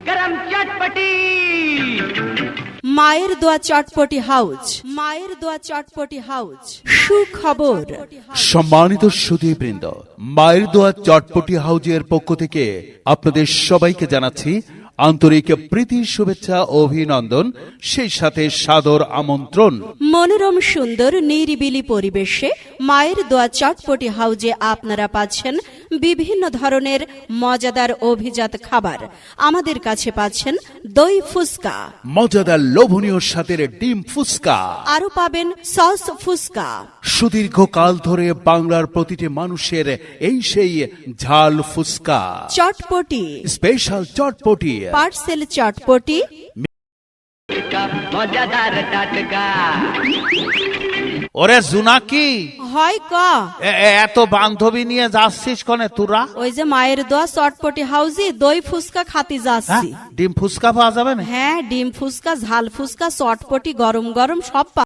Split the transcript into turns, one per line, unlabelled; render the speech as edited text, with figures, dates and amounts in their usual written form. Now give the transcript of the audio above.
गरम चटपटी
মায়ের দোয়া চটপটি হাউজ, মায়ের দোয়া চটপটি হাউজ। সুখবর,
সম্মানিত সুধীবৃন্দ, মায়ের দোয়া চটপটি হাউজের পক্ষ থেকে আপনাদের সবাইকে জানাচ্ছি আন্তরিক প্রীতি, শুভেচ্ছা, অভিনন্দন, সেই সাথে সাদর আমন্ত্রণ।
মনোরম সুন্দর নিরিবিলি পরিবেশে মায়ের দোয়া চটপটি হাউজে আপনারা পাচ্ছেন বিভিন্ন ধরনের মজাদার অভিজাত খাবার। আমাদের কাছে পাচ্ছেন দই ফুসকা,
মজাদার লোভনীয় স্বাদের ডিম ফুসকা,
আরো পাবেন সস ফুসকা।
সুদীর্ঘকাল ধরে বাংলার প্রতিটি মানুষের এই সেই ঝাল ফুসকা,
চটপটি,
স্পেশাল চটপটি,
পার্সেল চটপটি,
का मजेदार टटका
ওরে জুনাকি,
হয় ক
এত বান্ধবী নিয়ে যাচ্ছিস কনে তোরা?
ওই যে মায়ের দোয়া চটপটি হাউজে দই ফুসকা খাতি
হ্যাঁ,
যাচ্ছি।
ডিম ফুচকা পাওয়া যাবে না?
হ্যাঁ, ডিম ফুসকা, ঝাল ফুসকা, চটপটি, গরম গরম সব